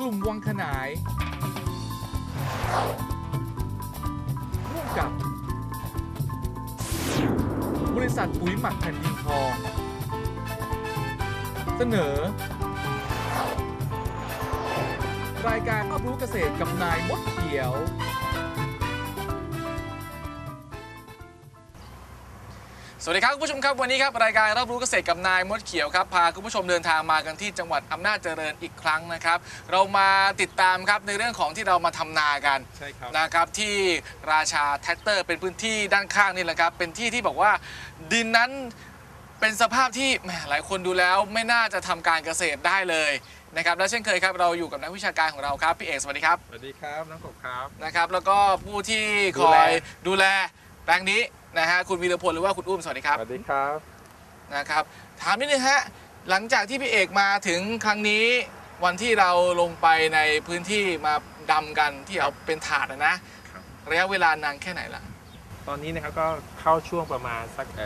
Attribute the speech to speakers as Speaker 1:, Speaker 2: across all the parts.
Speaker 1: ลุ่มวังขนายร่วมกับบริษัทปุ๋ยหมักแผ่นดินทองเสนอรายการรอบรู้เกษตรกับนายมดเขียวสวัสดีครับคุณผู้ชมครับวันนี้ครับรายการรอบรู้เกษตรกับนายมดเขียวครับพาคุณผู้ชมเดินทางมากันที่จังหวัดอำนาจเจริญอีกครั้งนะครับเรามาติดตามครับในเรื่องของที่เรามาทำนากันใช่ครับนะครับที่ราชาแท็กเตอร์เป็นพื้นที่ด้านข้างนี่แหละครับเป็นที่ที่บอกว่าดินนั้นเป็นสภาพที่แหมหลายคนดูแล้วไม่น่าจะทำการเกษตรได้เลยนะครับและเช่นเคยครับเราอยู่กับนักวิชาการของเราครับพี่เอกสวัสดีครับ
Speaker 2: สวัสดีครับน้องกบครับ
Speaker 1: นะครับแล้วก็ผู้ที่คอยดูแลแปลงนี้นะฮะคุณวีรพลหรือว่าคุณอุ้มสวัสดีครับ
Speaker 2: สวัสดีครับ
Speaker 1: นะครับถามนิดนึงฮะหลังจากที่พี่เอกมาถึงครั้งนี้วันที่เราลงไปในพื้นที่มาดำกันที่เอาเป็นถาดนะระยะเวลานานแค่ไหนล่ะ
Speaker 2: ตอนนี้นะครับก็เข้าช่วงประมาณสัก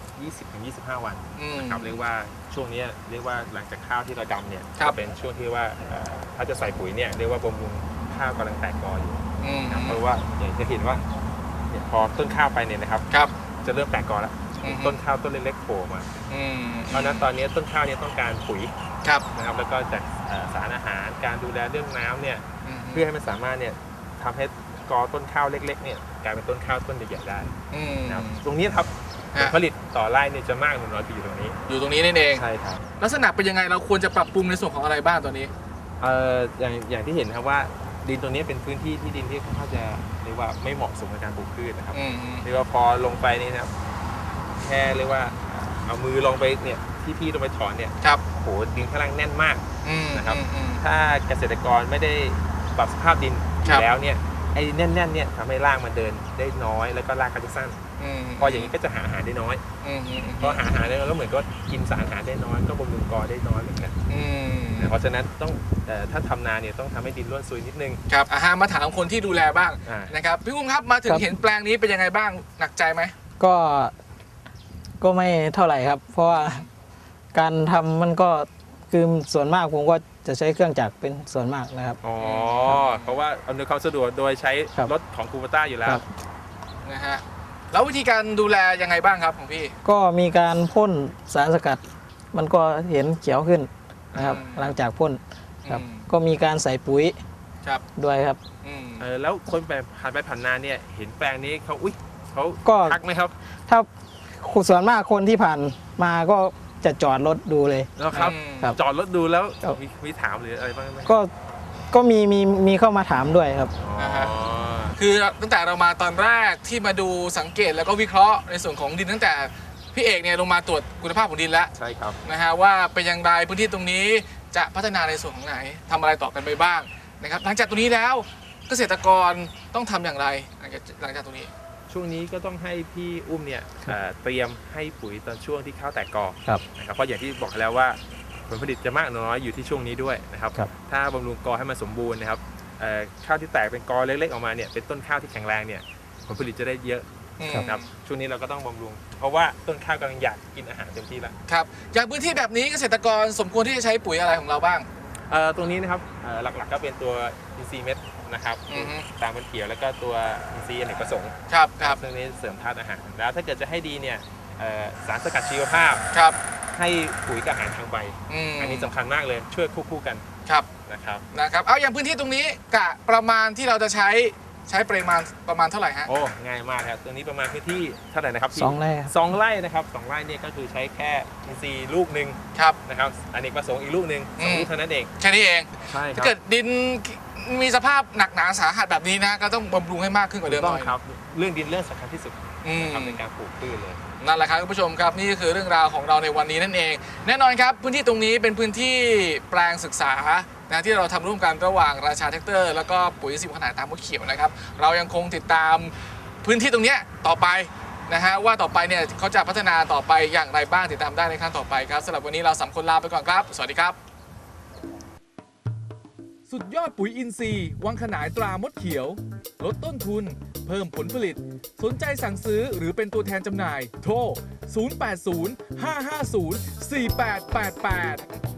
Speaker 2: 20-25 วันนะครับเรียกว่าช่วงนี้เรียกว่าหลังจากข้าวที่เราดำเนี่ยจะเป็นช่วงที่ว่าถ้าจะใส่ปุ๋ยเนี่ยเรียกว่าบำรุงข้าวกำลังแตกกออยู่เพราะว่าอย่างจะเห็นว่าพอต้นข้าวไปเนี่ยนะครับจะเริ่มแตกกอแล้วต้นข้าวต้นเล็กๆโผล่มาเพราะนั้นตอนนี้ต้นข้าวเนี่ยต้องการปุ๋ยนะครับแล้วก็จากสารอาหารการดูแลเรื่องน้ำเนี่ยเพื่อให้มันสามารถเนี่ยทำให้กอต้นข้าวเล็กๆเนี่ยกลายเป็นต้นข้าวต้นใหญ่ๆได้นะครับตรงนี้ครับผลผลิตต่อไร่เนี่ยจะมากหรือน้อยอยู่ตรงนี้
Speaker 1: นั่นเอง
Speaker 2: ใช่ครับ
Speaker 1: ลักษณะเป็นยังไงเราควรจะปรับปรุงในส่วนของอะไรบ้างตอนนี้
Speaker 2: อย่างที่เห็นครับว่าดินตรงนี้เป็นพื้นที่ที่ดินที่ค่อนข้างจะเรียกว่าไม่เหมาะสมกับการปลูกพืชนะครับเรียกว่าพอลงไปนี่นะครับแค่เรียกว่าเอามือลงไปเนี่ยที่พี่ลงไปถอนเนี่ยโหดินข้างล่างแน่นมากนะครับถ้าเกษตรกรไม่ได้ปรับสภาพดินแล้วเนี่ยไอ้แน่นๆเนี่ยทำให้รากมันเดินได้น้อยแล้วก็รากก็จะสั้นพออย่างนี้ก็จะหาอาหารได้น้อยพอหาอาหารได้น้อยก็เหมือนก็กินสารอาหารได้น้อยก็บำรุงกอได้น้อยเหมือนกันเพราะฉะนั้นต้องถ้าทำนาเนี่ยต้องทำให้ดินร่วนซุยนิดนึง
Speaker 1: ครับมาถามคนที่ดูแลบ้างนะครับพี่อุ้มครับมาถึงเห็นแปลงนี้เป็นยังไงบ้างหนักใจไหม
Speaker 3: ก็ไม่เท่าไหร่ครับเพราะว่าการทำมันก็คือส่วนมากผมก็จะใช้เครื่องจักรเป็นส่วนมากนะครับ
Speaker 2: เพราะว่าอำนวยความสะดวกโดยใช้รถของคูโบต้าอยู่แล้ว
Speaker 1: นะฮะแล้ววิธีการดูแลยังไงบ้างครับของพี่
Speaker 3: ก็มีการพ่นสารสกัดมันก็เห็นเขียวขึ้นนะครับหลังจากพ่นครับก็มีการใส่ปุ๋ยด้วยครับ
Speaker 2: แล้วคนผ่านไปผ่านมาเนี่ยเห็นแปลงนี้เขาทักไหมครับ
Speaker 3: ถ้าส่วนมากคนที่ผ่านมาก็จะจอดรถดูเลย
Speaker 2: แล้วครับจอดรถดูแล้วมีถามหรืออะไรบ้างไหม
Speaker 3: ก็มีเข้ามาถามด้วยครับ
Speaker 1: คือตั้งแต่เรามาตอนแรกที่มาดูสังเกตแล้วก็วิเคราะห์ในส่วนของดินตั้งแต่พี่เอกเนี่ยลงมาตรวจคุณภาพของดินแล้ว
Speaker 2: ใช่ครับ
Speaker 1: นะฮะว่าเป็นอย่างไรพื้นที่ตรงนี้จะพัฒนาในส่วนของไหนทำอะไรต่อกันไปบ้างนะครับหลังจากตรงนี้แล้วเกษตรกรต้องทำอย่างไรหลังจากตรงนี้
Speaker 2: ช่วงนี้ก็ต้องให้พี่อุ้มเนี่ยเตรียมให้ปุ๋ยตอนช่วงที่ข้าวแตกกอนะครับเพราะอย่างที่บอกแล้วว่าผลผลิตจะมากน้อยอยู่ที่ช่วงนี้ด้วยนะครับถ้าบำรุงกอให้มันสมบูรณ์นะครับข้าวที่แตกเป็นกอเล็กๆออกมาเนี่ยเป็นต้นข้าวที่แข็งแรงเนี่ยผลผลิตจะได้เยอะครับช่วงนี้เราก็ต้องบำรุงเพราะว่าต้นข้าวกำลังอยากกินอาหารเต็มที่แล้ว
Speaker 1: ครับอย่างพื้นที่แบบนี้เกษตรกรสมควรที่จะใช้ปุ๋ยอะไรของเราบ้าง
Speaker 2: ตรงนี้นะครับหลักๆก็เป็นตัวอินทรีย์เม็ดนะครับตามมันเขียวแล้วก็ตัวอินทรีย์อเนกประสงค์
Speaker 1: ครับ
Speaker 2: ซึ่งนี้เสริมธาตุอาหารแล้วถ้าเกิดจะให้ดีเนี่ยสารสกัดชีวภาพให้ปุ๋ยกับอาหารทางใบอันนี้สำคัญมากเลยช่วยคู่กันนะครับ
Speaker 1: เอาอย่างพื้นที่ตรงนี้กะประมาณที่เราจะใช้ปริมาณประมาณเท่าไหร่ฮะ
Speaker 2: ง่ายมากครับตรงนี้ประมาณพื้นที่เท่าไหร่นะครับ
Speaker 3: 2 ไร่
Speaker 2: 2 ไร่นะครับ2 ไร่เนี่ยก็คือใช้แค่อินทรีย์ลูกหนึ่งนะครับอเนกประสงค์อีกลูกหนึ่ง2 ลูกเท่านั้นเอง
Speaker 1: แค่นี้เอง
Speaker 2: ใช่ครับ
Speaker 1: ถ้าเกิดดินมีสภาพหนักหนาสาหัสแบบนี้นะก็ต้องบำรุงให้มากขึ้นกว่าเดิมหน่อย
Speaker 2: ครับเรื่องดินเรื่องสำคัญที่สุดทำในการปลูกพืชเลย
Speaker 1: นั่นแหละครับคุณผู้ชมครับนี่คือเรื่องราวของเราในวันนี้นั่นเองแน่นอนครับพื้นที่ตรงนี้เป็นพื้นที่แปลงศึกษานะที่เราทำร่วมกันระหว่างราชาแท็กเตอร์แล้วก็ปุ๋ยอินทรีย์วังขนายตามมดเขียวนะครับเรายังคงติดตามพื้นที่ตรงนี้ต่อไปนะฮะว่าต่อไปเนี่ยเขาจะพัฒนาต่อไปอย่างไรบ้างติดตามได้ในครั้งต่อไปครับสำหรับวันนี้เรา3 คนลาไปก่อนครับสวัสดีครับสุดยอดปุ๋ยอินทรีย์วังขนายตรามดเขียวลดต้นทุนเพิ่มผลผลิตสนใจสั่งซื้อหรือเป็นตัวแทนจำหน่ายโทร 080 550 4888